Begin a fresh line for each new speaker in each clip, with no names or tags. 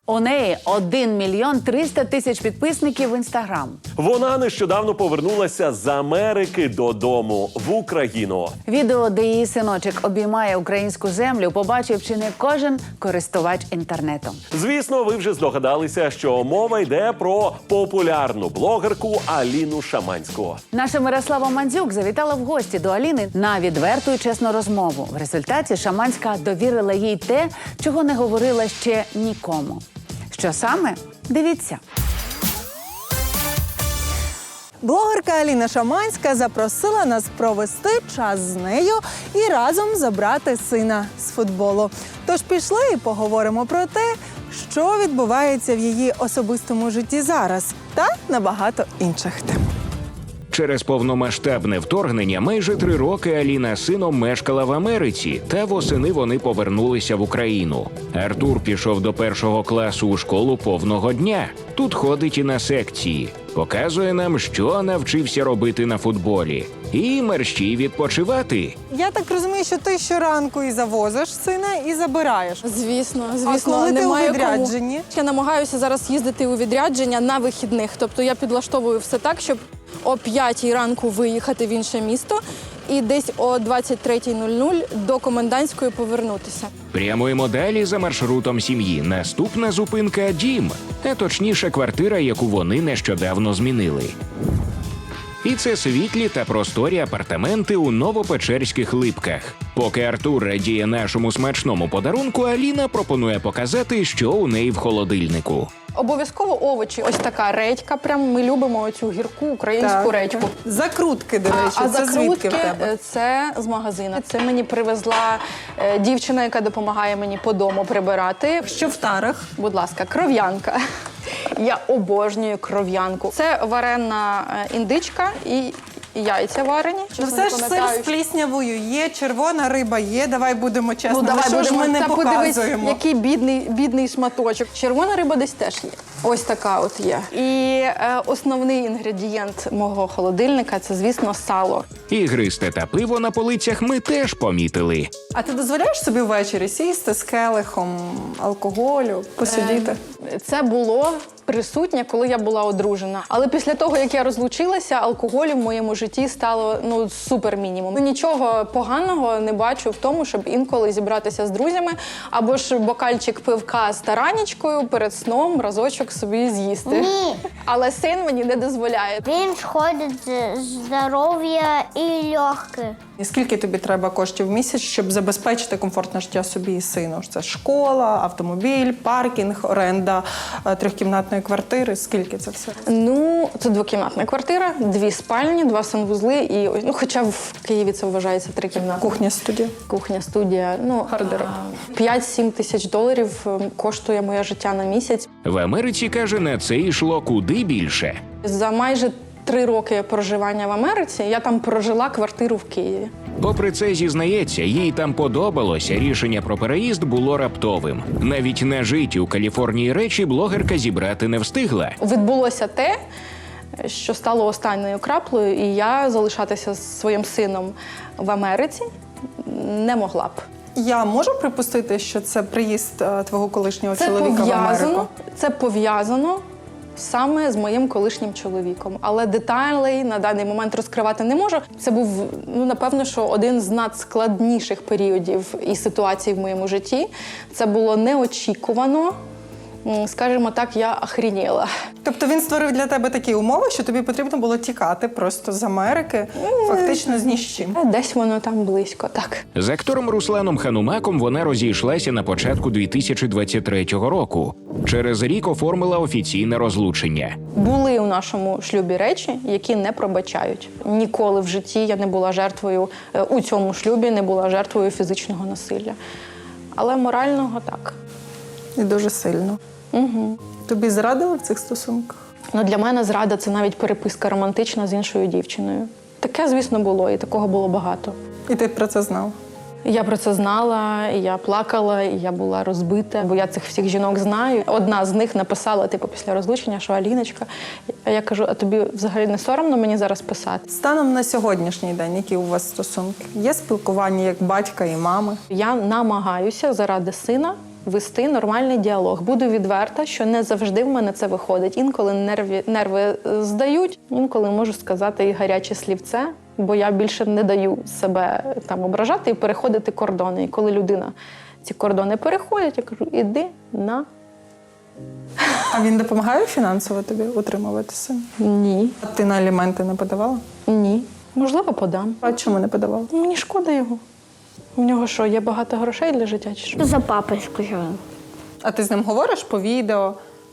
У неї 1 мільйон 300 тисяч підписників в Інстаграм.
Вона нещодавно повернулася з Америки додому в Україну.
Відео, де її синочок обіймає українську землю, побачив чи не кожен користувач інтернетом.
Звісно, ви вже здогадалися, що мова йде про популярну блогерку Аліну Шаманську.
Наша Мирослава Мандзюк завітала в гості до Аліни на відверту і чесну розмову. В результаті Шаманська довірила їй те, чого не говорила ще нікому. Що саме? Дивіться.
Блогерка Аліна Шаманська запросила нас провести час з нею і разом забрати сина з футболу. Тож пішли і поговоримо про те, що відбувається в її особистому житті зараз та на багато інших тем.
Через повномасштабне вторгнення майже 3 роки Аліна з сином мешкала в Америці, та восени вони повернулися в Україну. Артур пішов до 1 класу у школу повного дня. Тут ходить і на секції. Показує нам, що навчився робити на футболі. І мерщій відпочивати.
Я так розумію, що ти щоранку і завозиш сина, і забираєш.
Звісно.
А коли ти у
немає
відрядженні?
Я намагаюся зараз їздити у відрядження на вихідних. Тобто я підлаштовую все так, щоб о 5-й ранку виїхати в інше місто і десь о 23:00 до комендантської повернутися.
Прямуємо далі за маршрутом сім'ї. Наступна зупинка – дім. А точніше, квартира, яку вони нещодавно змінили. І це світлі та просторі апартаменти у Новопечерських Липках. Поки Артур радіє нашому смачному подарунку, Аліна пропонує показати, що у неї в холодильнику.
Обов'язково овочі. Ось така редька. Прям ми любимо оцю гірку українську редьку.
Закрутки, до речі,
А
це звідки в тебе?
закрутки – це з магазину. Це мені привезла дівчина, яка допомагає мені по дому прибирати.
Що в тарах?
Будь ласка, кров'янка. Я обожнюю кров'янку. Це варена індичка і яйця варені.
Ну все ж сир з пліснявою є, червона риба є, давай будемо чесно.
Ну, давай
що ж ми не
Та подивись,
показуємо?
який бідний шматочок. Червона риба десь теж є. Ось така от є. І основний інгредієнт мого холодильника – це, звісно, сало.
Ігристе та пиво на полицях ми теж помітили.
А ти дозволяєш собі ввечері сісти з келихом алкоголю, посидіти?
Це було присутнє, коли я була одружена. Але після того, як я розлучилася, алкоголю в моєму житті стало супер мінімум. Нічого поганого не бачу в тому, щоб інколи зібратися з друзями або ж бокальчик пивка з таранічкою перед сном разочок собі з'їсти.
Ні.
Але син мені не дозволяє.
Він шкодить здоров'я і легке.
І скільки тобі треба коштів в місяць, щоб забезпечити комфортне життя собі і сину? Це школа, автомобіль, паркінг, оренда трьохкімнатної квартири. Скільки це все?
Це двокімнатна квартира, 2 спальні, 2 санвузли і хоча в Києві це вважається 3 кімнати.
Кухня-студія.
Кухня-студія.
Гардероб.
5-7 тисяч доларів коштує моє життя на місяць.
В Америці, каже, на це йшло куди більше.
За майже 3 роки проживання в Америці я там прожила квартиру в Києві.
Попри це, зізнається, їй там подобалося, рішення про переїзд було раптовим. Навіть нажиті у Каліфорнії речі блогерка зібрати не встигла.
Відбулося те, що стало останньою краплею, і я залишатися з своїм сином в Америці не могла б.
Я можу припустити, що це приїзд твого колишнього чоловіка в Америку?
Це пов'язано саме з моїм колишнім чоловіком. Але деталей на даний момент розкривати не можу. Це був, напевно, що один з надскладніших періодів і ситуацій в моєму житті. Це було неочікувано. Скажімо так, я охреніла.
Тобто він створив для тебе такі умови, що тобі потрібно було тікати просто з Америки, фактично з ні з чим.
Десь воно там близько, так.
З актором Русланом Ханумаком вона розійшлася на початку 2023 року. Через рік оформила офіційне розлучення.
Були у нашому шлюбі речі, які не пробачають. Ніколи в житті я не була жертвою, у цьому шлюбі не була жертвою фізичного насилля. Але морального – так.
І дуже сильно.
Угу.
Тобі зрадили в цих стосунках?
Для мене зрада – це навіть переписка романтична з іншою дівчиною. Таке, звісно, було, і такого було багато.
І ти про це знав?
Я про це знала, і я плакала, і я була розбита, бо я цих всіх жінок знаю. Одна з них написала, після розлучення, що Аліночка. А я кажу, а тобі взагалі не соромно мені зараз писати?
Станом на сьогоднішній день, які у вас стосунки? Є спілкування як батька і мами?
Я намагаюся заради сина вести нормальний діалог. Буду відверта, що не завжди в мене це виходить. Інколи нерви здають, інколи можу сказати і гаряче слівце, бо я більше не даю себе там ображати і переходити кордони. І коли людина ці кордони переходить, я кажу, іди на.
А він допомагає фінансово тобі утримувати сина?
Ні.
А ти на аліменти не подавала?
Ні. Можливо, подам.
А чому не подавала?
Мені шкода його. У нього що, є багато грошей для життя чи що?
За папою скажу.
А ти з ним говориш по відео?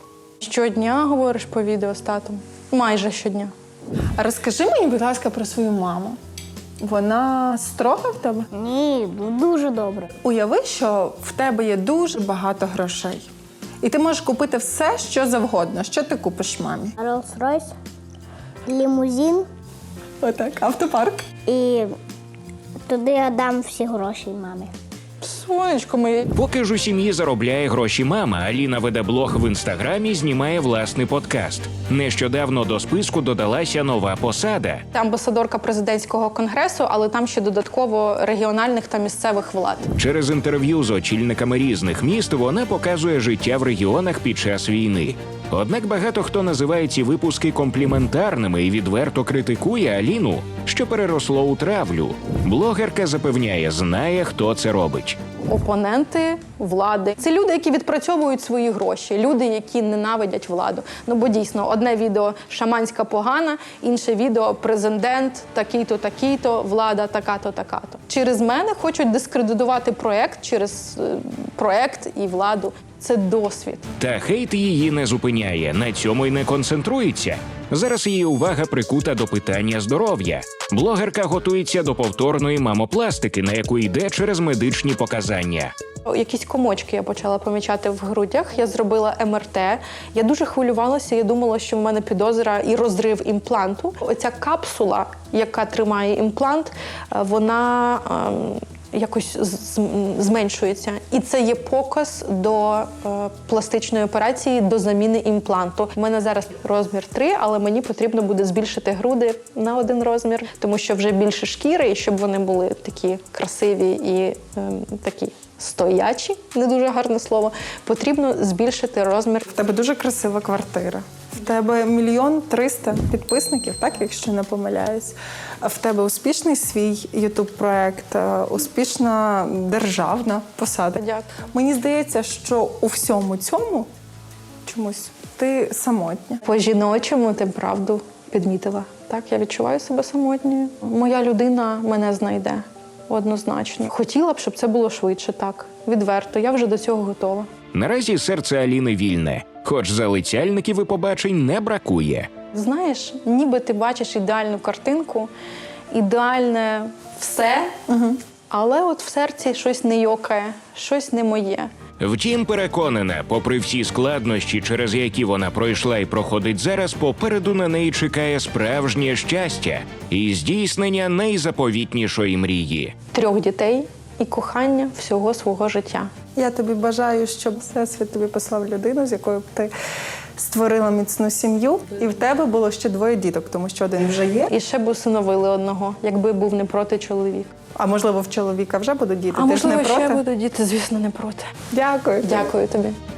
Щодня говориш по відео з татом? Майже щодня.
А розкажи мені, будь ласка, про свою маму. Вона строга в тебе?
Ні, дуже добре.
Уяви, що в тебе є дуже багато грошей. І ти можеш купити все, що завгодно. Що ти купиш мамі?
Rolls-Royce, лімузин,
Отак, автопарк.
і туди я дам всі гроші мамі.
Сонечко моє.
Поки ж у сім'ї заробляє гроші мама, Аліна веде блог в інстаграмі, знімає власний подкаст. Нещодавно до списку додалася нова посада.
Амбасадорка президентського конгресу, але там ще додатково регіональних та місцевих влад.
Через інтерв'ю з очільниками різних міст вона показує життя в регіонах під час війни. Однак багато хто називає ці випуски компліментарними і відверто критикує Аліну, що переросло у травлю. Блогерка запевняє, знає, хто це робить.
Опоненти влади. Це люди, які відпрацьовують свої гроші, люди, які ненавидять владу. Ну, бо дійсно, одне відео «Шаманська погана», інше відео «Президент такий-то, такий-то, влада така-то, така-то». Через мене хочуть дискредитувати проект через проект і владу. Це досвід.
Та хейт її не зупиняє, на цьому й не концентрується. Зараз її увага прикута до питання здоров'я. Блогерка готується до повторної мамопластики, на яку йде через медичні показання.
Якісь комочки я почала помічати в грудях. Я зробила МРТ. Я дуже хвилювалася. Я думала, що в мене підозра і розрив імпланту. Оця капсула, яка тримає імплант, вона якось зменшується. І це є показ до пластичної операції, до заміни імпланту. У мене зараз розмір 3, але мені потрібно буде збільшити груди на 1 розмір, тому що вже більше шкіри, і щоб вони були такі красиві і такі стоячі, не дуже гарне слово, потрібно збільшити розмір.
В тебе дуже красива квартира. В тебе 1 300 000 підписників, так, якщо не помиляюсь. В тебе успішний свій ютуб-проект, успішна державна посада.
Дякую.
Мені здається, що у всьому цьому чомусь ти самотня.
По-жіночому ти правду підмітила. Так, я відчуваю себе самотньою. Моя людина мене знайде. Однозначно. Хотіла б, щоб це було швидше, так. Відверто. Я вже до цього готова.
Наразі серце Аліни вільне, хоч залицяльників і побачень не бракує.
Знаєш, ніби ти бачиш ідеальну картинку, ідеальне все, але от в серці щось не йокає, щось не моє.
Втім, переконана, попри всі складнощі, через які вона пройшла і проходить зараз, попереду на неї чекає справжнє щастя і здійснення найзаповітнішої мрії.
3 дітей і кохання всього свого життя.
Я тобі бажаю, щоб Всесвіт тобі послав людину, з якою б ти створила міцну сім'ю, і в тебе було ще 2 діток, тому що 1 вже є.
І ще б усиновили одного, якби був не проти чоловік.
А можливо, в чоловіка вже будуть діти?
А
Ти ж не
можливо,
проти?
ще будуть діти, звісно, не проти.
Дякую.
Дякую тобі.